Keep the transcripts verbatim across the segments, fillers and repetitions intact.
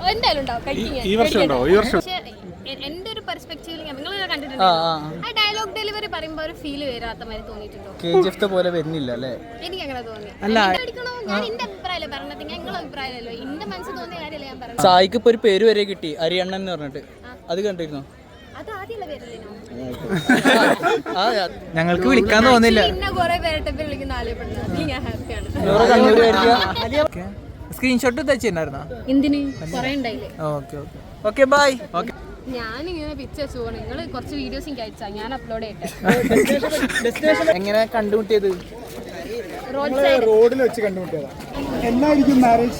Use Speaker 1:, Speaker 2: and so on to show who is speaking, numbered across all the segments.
Speaker 1: എന്തായാലും ഉണ്ടാവും കഴിക്കാൻ.
Speaker 2: ഈ വർഷം ഉണ്ടോ? ഈ വർഷം
Speaker 1: എന്റെ ഒരു പെർസ്പെക്റ്റീവിൽ നിങ്ങൾ കണ്ടിട്ടുണ്ടോ ആ ഡയലോഗ് ഡെലിവറി പറയുമ്പോൾ ഒരു ഫീൽ വരാത്ത മാതിരി തോന്നിയിട്ടുണ്ടോ?
Speaker 3: കെജിഎഫ് പോലെ വരുന്നില്ല അല്ലേ?
Speaker 1: എനിക്ക് അങ്ങനെ തോന്നി. ഞാൻ എന്റെ അഭിപ്രായമല്ലേ പറഞ്ഞത്, നിങ്ങളുടെ അഭിപ്രായമല്ലോ. എന്റെ മനസ്സിൽ തോന്നിയ കാര്യമല്ല ഞാൻ പറഞ്ഞത്.
Speaker 3: സായിക്ക് ഇപ്പൊ ഒരു പേര് വരെ കിട്ടി, അരിയണ്ണൻ എന്ന് പറഞ്ഞിട്ട്. അത് കണ്ടിരുന്നോ?
Speaker 1: അത് ആദ്യമുള്ള പേരല്ലേ?
Speaker 3: ഞങ്ങൾക്ക് വിളിക്കാൻ തോന്നില്ല. സ്ക്രീൻഷോട്ട് വെച്ചിട്ടുണ്ടായിരുന്നോ?
Speaker 1: എന്തിന് പറയണ്ടായില്ലേ?
Speaker 3: Okay bye. ഓക്കെ
Speaker 1: ഞാനിങ്ങനെ പിക്ചേഴ്സ് പോകണം. നിങ്ങൾ കുറച്ച് വീഡിയോസ് എനിക്ക് അയച്ചാ ഞാൻ അപ്ലോഡ് ചെയ്യട്ടെ.
Speaker 3: എങ്ങനെ കണ്ടുമുട്ടിയത്?
Speaker 2: റോഡിൽ വെച്ച് കണ്ടുമുട്ടിയതാ. എന്നായിരിക്കും മാരേജ്?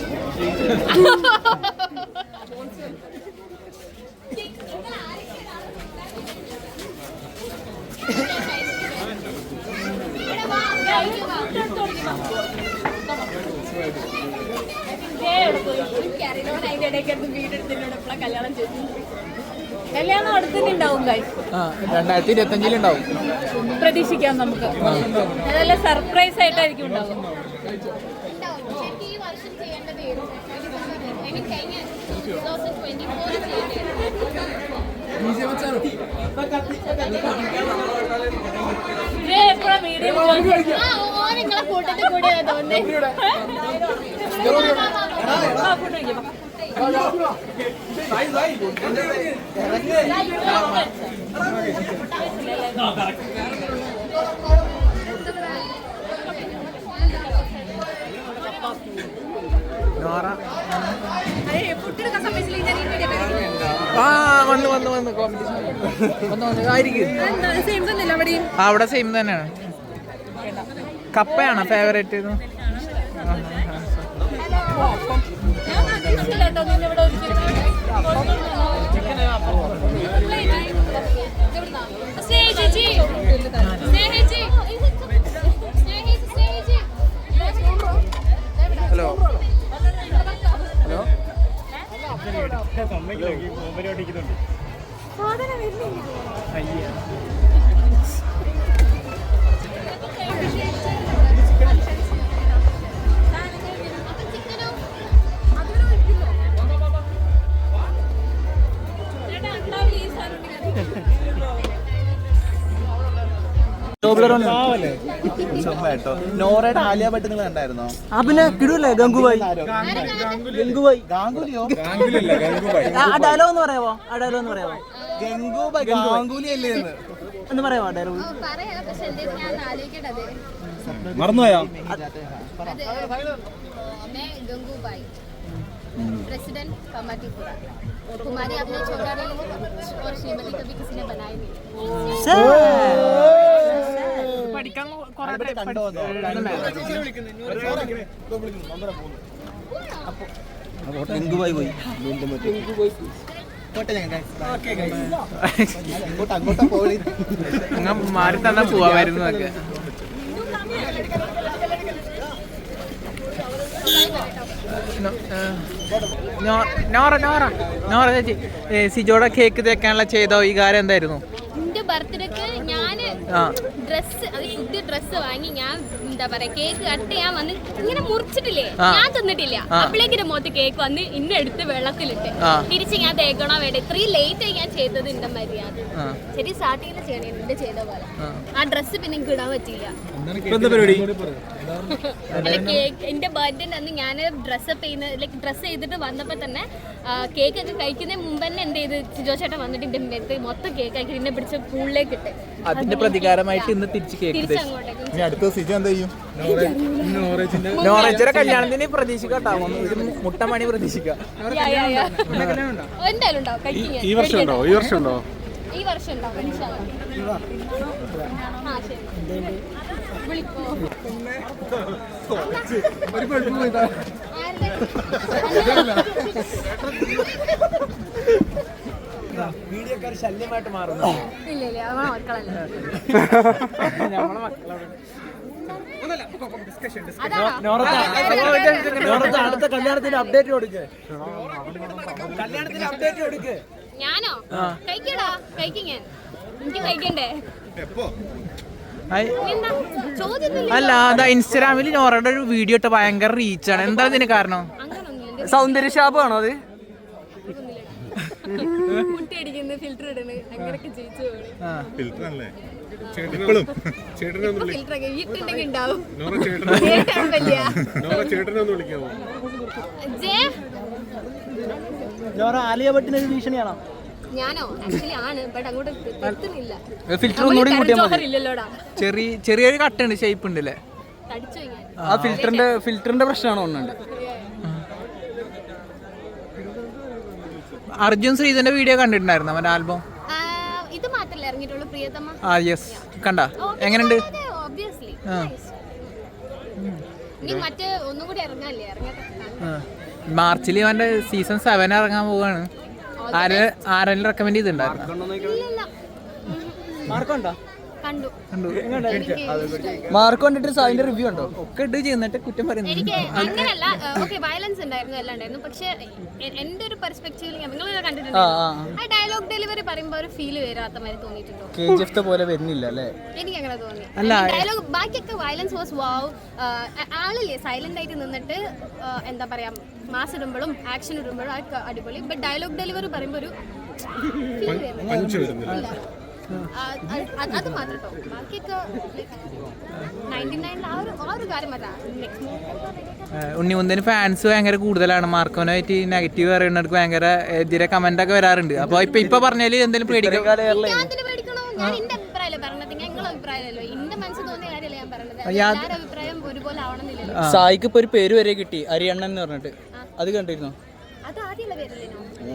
Speaker 1: കല്യാണം അടുത്തുണ്ടാവും.
Speaker 3: രണ്ടായിരത്തി ഇരുപത്തി അഞ്ചിലുണ്ടാവും
Speaker 1: പ്രതീക്ഷിക്കാം നമുക്ക്. അതല്ല സർപ്രൈസ് ആയിട്ടായിരിക്കും ഉണ്ടാവും. നിങ്ങളെ കൂട്ടത്തിൽ കൂടിയാ തോന്നുന്നത്.
Speaker 3: വന്ന് വന്ന് വന്ന് കോമ്പറ്റീഷൻ അവിടെ സെയിം തന്നെയാണ്. കപ്പയാണോ ഫേവറേറ്റ്? ഹലോ ഹലോ അയ്യ
Speaker 4: നോറയുടെ ആലിയ ഭട്ട് നിങ്ങൾ കണ്ടായിരുന്നോ?
Speaker 3: പിന്നെ കിടൂല്ലേ ഗംഗുബായി? ഗംഗുബായി ആ ഡയലോഗ് ഒന്ന് പറയാമോ? ആ ഡയലോഗ് ഒന്ന് പറയാമോ?
Speaker 4: ഗംഗുബായി ഗാംഗുലി അല്ലേ
Speaker 3: എന്ന് പറയാമോ ഡയലോഗ്?
Speaker 2: മറന്നുപോയോ?
Speaker 1: ഗംഗുബായി प्रेसिडेंट कमाटीपुरा तुम्हारी आपने छोटा नहीं और श्रीमती कभी किसी ने बनाई नहीं.
Speaker 3: പഠിക്കാൻ
Speaker 4: ഗംഗുബായി പോയി അങ്ങോട്ടാ പോയി
Speaker 3: മാറി തന്നാ പോവാമായിരുന്നു. ഒക്കെ നോറ നോറ നോറ ചേച്ചി സിജോടെ കേക്ക് തേക്കാനുള്ള ചെയ്തോ ഈ കാര്യം എന്തായിരുന്നു?
Speaker 1: എന്റെ ബർത്ത്ഡേക്ക് ഞാൻ ഡ്രസ് അത് പുതിയ ഡ്രസ് വാങ്ങി ഞാൻ എന്താ പറയാ കേക്ക് കട്ട് ചെയ്യാൻ വന്ന് ഇങ്ങനെ മുറിച്ചിട്ടില്ലേ, ഞാൻ തിന്നിട്ടില്ല. അപ്പോഴേക്കും മുഖത്ത് കേക്ക് വന്ന് ഇന്നെ എടുത്ത് വെള്ളത്തിലിട്ട് തിരിച്ച് ഞാൻ തേക്കണോ വേണ്ട. ഇത്രയും ലേറ്റ് ആയി ഞാൻ ചെയ്തത് എന്റെ മര്യാദ. ശരി സ്റ്റാർട്ടിങ്ങിൽ ചെയ്യണേ എന്റെ ചെയ്ത പോലെ. ആ ഡ്രസ്സ് പിന്നെ എനിക്ക് ഇടാൻ പറ്റിയില്ല. കേക്ക് എന്റെ ബർത്ത്ഡേ അന്ന് ഞാൻ ഡ്രസ്സപ്പ് ചെയ്യുന്ന ലൈക്ക് ഡ്രസ്സ് ചെയ്തിട്ട് വന്നപ്പോ തന്നെ കേക്ക് ഒക്കെ കഴിക്കുന്നതിന് മുമ്പ് തന്നെ എന്ത് ചെയ്ത് സിജോ ചേട്ടൻ വന്നിട്ട് എന്റെ അടുത്ത് മൊത്തം കേക്ക് ആക്കി എന്നെ പിടിച്ച പൂളിലേക്ക് ഇട്ട്.
Speaker 3: അതിന്റെ പ്രതികാരമായിട്ട് ഇന്ന് തിരിച്ച് കേക്ക്
Speaker 4: അടുത്ത സിജോ എന്താ ചെയ്യും?
Speaker 3: നോറേച്ചിയുടെ കല്യാണത്തിന് പ്രതീക്ഷിക്കാട്ടാവും. മുട്ടമണി പ്രതീക്ഷിക്കാം.
Speaker 1: എന്തായാലും ഉണ്ടാവും കഴിക്കാൻ.
Speaker 2: ഈ വർഷം ഉണ്ടോ? ഈ വർഷം ഉണ്ടോ?
Speaker 1: ഈ വർഷം ഉണ്ടാവും. ആ ശരി വിളിക്കോ.
Speaker 3: വീഡിയോക്കാർ ശല്യമായിട്ട് മാറുന്നു.
Speaker 1: ഇല്ല ഇല്ല നമ്മളെ മക്കളല്ല.
Speaker 3: നമ്മളെ മക്കളാണ്. അടുത്ത കല്യാണത്തിന്റെ അപ്ഡേറ്റ് കൊടുക്ക്. കല്യാണത്തിന്റെ അപ്ഡേറ്റ് കൊടുക്ക്.
Speaker 1: ഞാനോ കഴിക്കടാ കഴിക്കാൻ എനിക്ക് കഴിക്കണ്ടേ?
Speaker 3: അല്ല അതാ ഇൻസ്റ്റാഗ്രാമിൽ നോറയുടെ ഒരു വീഡിയോ ഇട്ട് ഭയങ്കര റീച്ചാണ്. എന്താ ഇതിന് കാരണം? സൗന്ദര്യ ശാപമാണോ അത്?
Speaker 1: മുട്ടയടിക്കുന്ന ഫിൽറ്റർ ഇടുന്നു അങ്ങനെയൊക്കെ ജയിച്ചു പോകണം
Speaker 2: ഫിൽറ്റർ അല്ലേ ഇപ്പോഴും ചേട്ടനൊന്നും
Speaker 1: ഫിൽറ്ററൊക്കെ വീട്ടുണ്ടെങ്കിൽ ഉണ്ടാവും
Speaker 2: നോറ ചേട്ടനെ
Speaker 1: വലിയ
Speaker 2: നോറ ചേട്ടനെ ഒന്ന് വിളിക്കാമോ
Speaker 1: ജേ
Speaker 3: ആലിയ ഭട്ടിനൊരു ഭീഷണിയാണോ?
Speaker 1: ഞാനോ ആക്ച്വലി ആണ് ബട്ട് അങ്ങോട്ട് എത്തുന്നില്ല.
Speaker 3: ഫിൽറ്റർ ഒന്നുകൂടി കൂട്ടിയാൽ മതി.
Speaker 1: ഇല്ലല്ലോടാ
Speaker 3: ചെറിയ ചെറിയൊരു കട്ടുണ്ട് ഷേപ്പ് ഉണ്ട് അല്ലേ?
Speaker 1: തടിച്ചു ഞാൻ.
Speaker 3: ആ ഫിൽറ്ററിന്റെ ഫിൽറ്ററിന്റെ പ്രശ്നമാണോ ഒന്നുണ്ട്? അർജുൻ ശ്രീധന്റെ വീഡിയോ കണ്ടിട്ടുണ്ടായിരുന്നു അവന്റെ ആൽബം.
Speaker 1: ഇത് മാത്രല്ല ഇറങ്ങിയിട്ടുള്ളൂ പ്രിയതമ.
Speaker 3: ആ യെസ് കണ്ട എങ്ങനെയുണ്ട്?
Speaker 1: ഒബ്വിയസ്ലി നീ മറ്റേ ഒന്നും കൂടി ഇറങ്ങാല്ലേ ഇറങ്ങട്ടെ.
Speaker 3: മാർച്ചിൽ അവന്റെ സീസൺ സെവൻ ഇറങ്ങാൻ പോവാണ്. ആരെങ്കിലും റെക്കമെൻഡ് ചെയ്തിട്ടുണ്ടായിരുന്നു?
Speaker 1: കണ്ടു
Speaker 3: മാർക്ക് കണ്ടിട്ട് അതിന്റെ റിവ്യൂ ഉണ്ടോ? ഒക്കെ ഇട്ട് ചെയ്യുന്നിട്ട് കുറ്റം പറയുന്നു.
Speaker 1: എനിക്ക് അങ്ങനെയല്ല. ഓക്കെ വയലൻസ് ഉണ്ടായിരുന്നു എല്ലാം ഉണ്ടായിരുന്നു. പക്ഷെ എന്റെ ഒരു പെർസ്പെക്റ്റീവിൽ നിങ്ങൾ കണ്ടിട്ടുണ്ടോ ആ ഡയലോഗ് ഡെലിവറി പറയുമ്പോൾ ഒരു ഫീൽ വരാത്ത മാതിരി തോന്നിയിട്ടുണ്ടോ?
Speaker 3: കെജിഎഫ് പോലെ വരുന്നില്ല അല്ലേ?
Speaker 1: എനിക്ക് അങ്ങനെ തോന്നി. ഡയലോഗ് ബാക്കിയൊക്കെ വയലൻസ് വാസ് വാവ്. ആളില്ലേ സൈലന്റ് ആയിട്ട് നിന്നിട്ട് എന്താ പറയാ മാസ് ഇടുമ്പോഴും ആക്ഷൻ ഇടുമ്പോഴും അടിപൊളി. ബട്ട് ഡയലോഗ് ഡെലിവറി പറയുമ്പോൾ ഒരു ഫീൽ വരുന്നില്ല. അത് മാത്രം കേട്ടോ. ബാക്കിയൊക്കെ
Speaker 3: ഉണ്ണിമുന്തന് ഫാൻസ് ഭയങ്കര കൂടുതലാണ്. മാർക്കോനായിട്ട് നെഗറ്റീവ് പറയുന്നവർക്ക് ഭയങ്കര എതിരെ കമന്റ് ഒക്കെ വരാറുണ്ട്. അപ്പൊ ഇപ്പൊ ഇപ്പൊ പറഞ്ഞാല് എന്തെങ്കിലും പേടിക്കണോ?
Speaker 1: ഞാൻ എന്റെ അഭിപ്രായമല്ലേ പറഞ്ഞത്, ഞങ്ങളുടെ അഭിപ്രായമല്ലോ. എന്റെ മനസ്സിൽ തോന്നിയ കാര്യമല്ല ഞാൻ പറഞ്ഞത്. എല്ലാവരുടെ അഭിപ്രായം ഒരുപോലെ ആവണമെന്നില്ലല്ലോ.
Speaker 3: സായിക്ക് ഇപ്പൊ ഒരു പേര് വരെ കിട്ടി, അരിയണ്ണൻ എന്ന് പറഞ്ഞിട്ട്. അത് കണ്ടിരുന്നോ?
Speaker 1: അത് ആദ്യമുള്ള പേരല്ലേ?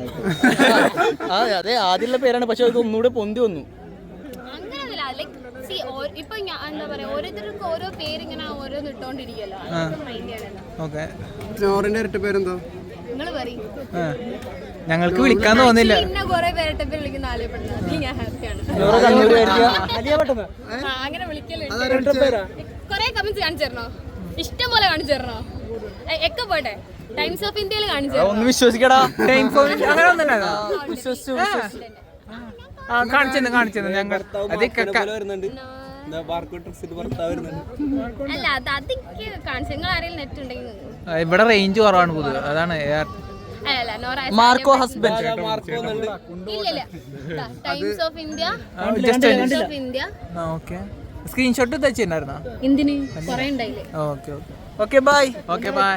Speaker 3: അതെ ആദ്യമുള്ള പേരാണ്, പക്ഷെ അത് ഒന്നുകൂടെ പൊന്തി വന്നു.
Speaker 1: അങ്ങനെയൊന്നുമില്ല. ലൈക് സി ഇപ്പൊ എന്താ പറയാ ഓരോരുത്തർക്കും ഓരോ പേരിങ്ങനെ ഓരോന്ന് ഇട്ടോണ്ടിരിക്കല്ലോ.
Speaker 2: നോറിന്റെ ഇരട്ട പേരെന്തോ?
Speaker 1: നിങ്ങള് പറയും.
Speaker 3: ഞങ്ങൾക്ക് വിളിക്കാൻ തോന്നില്ല.
Speaker 1: പിന്നെ കൊറേ പേരട്ടെ പേര് വിളിക്കുന്ന ആലയപ്പെടുന്നത് ഞാൻ ഹാപ്പിയാണ്. അങ്ങനെ വിളിക്കലുണ്ട്. കൊറേ കമന്റ്സ് കാണിച്ചു തരണോ? ഇഷ്ടം പോലെ കാണിച്ചു തരണോ? ഒക്കെ പോട്ടെ. ടൈംസ് ഓഫ് ഇന്ത്യയിൽ കാണിച്ചു തരണോ?
Speaker 3: ഒന്ന് വിശ്വസിക്കടാ. അങ്ങനെ ഒന്നും കാണിച്ചെന്ന് കാണിച്ചെന്ന് ഞങ്ങൾ
Speaker 1: അല്ല അത് അതെനിക്ക് കാണിച്ചു. നിങ്ങൾ ആരെങ്കിലും നെറ്റ് ഉണ്ടെങ്കിൽ
Speaker 3: ഇവിടെ റേഞ്ച് കുറവാണ് പൊതുവെ, അതാണ്. മാർക്കോ ഹസ്ബൻഡ്
Speaker 1: ഇല്ല Times of India Times of India.
Speaker 3: Okay screenshot വെച്ചിട്ടുണ്ടായിരുന്നോ?
Speaker 1: എന്തിന് കുറേ ഉണ്ടായില്ലേ?
Speaker 3: Okay okay okay bye. Okay bye.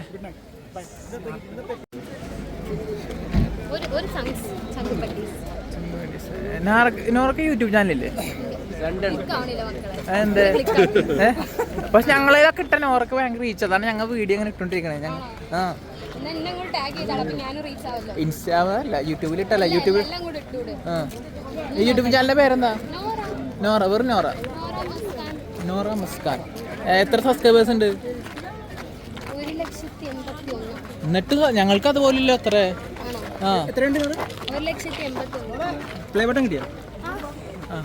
Speaker 1: ഒരു ഒരു സംസ് ചങ്കുപട്ടി
Speaker 3: നോറൊക്കെ യൂട്യൂബ് ചാനലില്ലേ?
Speaker 1: കാണില്ല മക്കളെ.
Speaker 3: എന്ത് പക്ഷെ ഞങ്ങളേതൊക്കെ ഇട്ട നോറൊക്കെ ഭയങ്കര റീച്ച്. അതാണ് ഞങ്ങൾ വീഡിയോ ഇങ്ങനെ ഇട്ടോണ്ടിരിക്കണേ. ഞങ്ങൾ ആ ഇൻസ്റ്റാഗ്രാമല്ല യൂട്യൂബിൽ ഇട്ടല്ല. യൂട്യൂബിൽ ആ ഈ യൂട്യൂബ് ചാനലിന്റെ പേരെന്താ? നോറ. വെറും നോറ. നോറ മുസ്കാൻ. എത്ര സബ്സ്ക്രൈബേഴ്സ് ഉണ്ട്? എന്നിട്ട് ഞങ്ങൾക്ക് അതുപോലില്ല. അത്ര ആ പ്ലേ ബട്ടൺ കിട്ടിയോ? ആ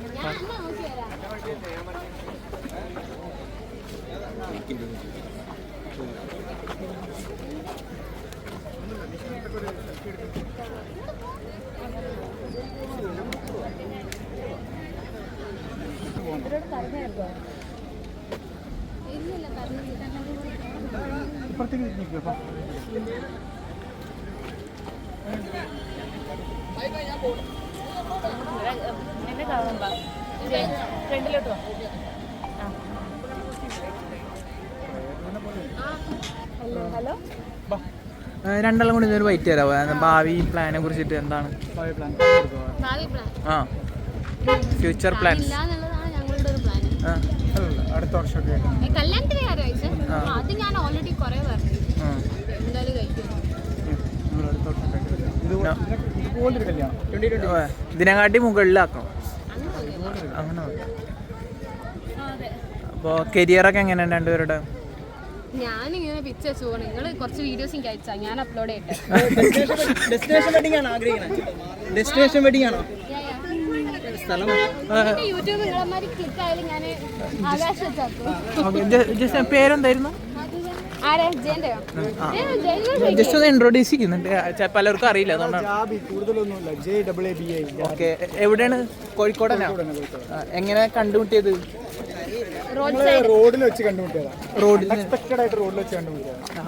Speaker 1: ഹലോ
Speaker 3: രണ്ടാളും കൂടി ഇതൊരു വൈറ്റ് തരാമോ? ഭാവി പ്ലാനെ കുറിച്ചിട്ട് എന്താണ്?
Speaker 1: ഭാവി പ്ലാൻ
Speaker 3: ആ ഫ്യൂച്ചർ പ്ലാൻസ്
Speaker 1: ഞങ്ങളുടെ ഒരു പ്ലാൻ.
Speaker 2: അടുത്ത വർഷമൊക്കെ
Speaker 1: കല്യാണത്തിന്റെ കാര്യം അത് ഞാൻ ഓൾറെഡി കുറെ പറഞ്ഞു. എന്തായാലും കഴിക്കും.
Speaker 3: ഇതിനെക്കാട്ടി മുകളിലാക്കണം അങ്ങനെ. അപ്പോൾ കരിയറൊക്കെ എങ്ങനെയാണ് രണ്ടുപേരുടെ?
Speaker 1: ഞാനിങ്ങനെ പിച്ച് വെച്ചു പോകണം. നിങ്ങൾ കുറച്ച് വീഡിയോസ് എനിക്ക് അയച്ചാ ഞാൻ അപ്ലോഡ് ചെയ്യട്ടെ.
Speaker 3: ഡെസ്റ്റിനേഷൻ വെഡിങ് ആണോ ആഗ്രഹിക്കുന്നത്? ഡെസ്റ്റിനേഷൻ വെഡിങ് ആണോ?
Speaker 1: യൂട്യൂബ് നിങ്ങളമാരി ക്ലിക്ക് ആയാലും ഞാൻ ആകാശം വെച്ചാക്കും.
Speaker 3: പേരെന്തായിരുന്നു? ജസ്റ്റ് ഒന്ന് ഇൻട്രോഡ്യൂസ് ചെയ്യുന്നുണ്ട്, പലർക്കും അറിയില്ല. ഓക്കെ എവിടെയാണ്? കോഴിക്കോടനാ? എങ്ങനെ കണ്ടുമുട്ടിയത്?
Speaker 2: റോഡിൽ വെച്ച് കണ്ടുമുട്ടിയതാ. റോഡിൽ അൺഎക്സ്പെക്റ്റഡ് ആയിട്ട് റോഡിൽ വെച്ച് കണ്ടുമുട്ടിയതാ.